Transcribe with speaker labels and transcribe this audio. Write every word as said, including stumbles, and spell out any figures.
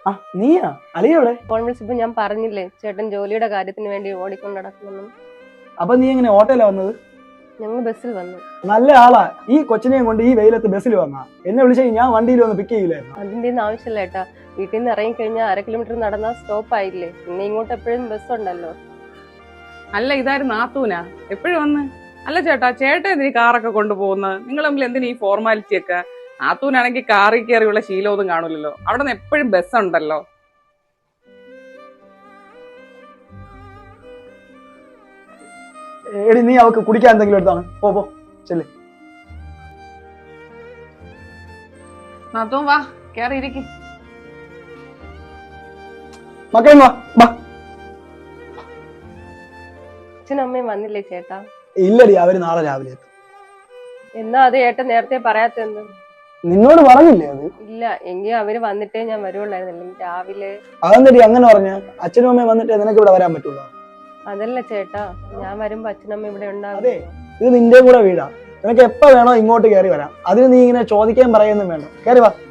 Speaker 1: ആ നീയാ അളിയ എവിടെ?
Speaker 2: ഫോൺ വിളിച്ചപ്പോ ഞാൻ പറഞ്ഞില്ലേ ചേട്ടൻ ജോലിയുടെ കാര്യത്തിന് വേണ്ടി ഓടിക്കൊണ്ട് നടക്കുന്നു.
Speaker 1: അപ്പൊ നീ എങ്ങനെ ഓട്ടോയിലാ വന്നത്?
Speaker 2: ഞങ്ങൾ ബസ്സിൽ വന്നു.
Speaker 1: നല്ല ആളാ. ഈ കൊച്ചിനെയും കൊണ്ട് ഈ വെയിലത്ത് ബസ്സിൽ വന്നാ എന്നെ വിളിച്ചാൽ ഞാൻ വണ്ടിയിൽ വന്ന് പിക്ക് ചെയ്യില്ലായിരുന്നു.
Speaker 2: അതിന്റെ ഒന്നും ആവശ്യമില്ല ഏട്ടാ. വീട്ടിൽ നിന്ന് ഇറങ്ങി കഴിഞ്ഞാൽ അര കിലോമീറ്റർ നടന്നാൽ സ്റ്റോപ്പ് ആയില്ലേ, പിന്നെ ഇങ്ങോട്ട് എപ്പോഴും ബസ് ഉണ്ടല്ലോ.
Speaker 3: അല്ല ഇതായിരുന്നു നാത്തൂനാ എപ്പോഴും വന്ന്. അല്ല ചേട്ടാ, ചേട്ടൻ എന്തിനീ കാറൊക്കെ കൊണ്ടുപോകുന്നത്? നിങ്ങൾ തമ്മിൽ എന്തിനാ ഈ ഫോർമാലിറ്റി ഒക്കെ? നാത്തൂനാണെങ്കിൽ കാറിൽ കയറിയുള്ള ശീലമൊന്നും കാണൂലല്ലോ, അവിടെ നിന്ന് എപ്പോഴും ബസ് ഉണ്ടല്ലോ.
Speaker 1: എടി നീ അവക്ക് കുടിക്കാൻ എന്തെങ്കിലും എടുത്താണ്. പോ പോ ചെല്ലേ.
Speaker 3: നാത്തൂൻ വാ, കയറി ഇരിക്കും.
Speaker 1: മക്കളെ വാ വാ.
Speaker 2: അച്ഛനും അമ്മയും വന്നില്ലേ ചേട്ടാ?
Speaker 1: ഇല്ലടി, അവര് നാളെ രാവിലെ എത്തും.
Speaker 2: എന്നാ അത് ഏട്ടൻ നേരത്തെ പറയാത്തെന്ത്?
Speaker 1: നിന്നോട് പറഞ്ഞില്ലേ അത്?
Speaker 2: ഇല്ല, എങ്കിൽ അവര് വന്നിട്ടേ ഞാൻ വരുവുള്ളായിരുന്നില്ല രാവിലെ.
Speaker 1: അതെന്തടി അങ്ങനെ പറഞ്ഞ? അച്ഛനും അമ്മയും വന്നിട്ട് നിനക്ക് ഇവിടെ വരാൻ പറ്റുള്ളൂ?
Speaker 2: അതല്ല ചേട്ടാ, ഞാൻ വരുമ്പോ അച്ഛനമ്മ ഇവിടെ ഉണ്ടാകും.
Speaker 1: അതെ, ഇത് നിന്റെ കൂടെ വീടാ. നിനക്ക് എപ്പോ വേണോ ഇങ്ങോട്ട് കയറി വരാം. അതിന് നീ ഇങ്ങനെ ചോദിക്കാൻ പറയുന്നും വേണ്ട. കയറി വാ.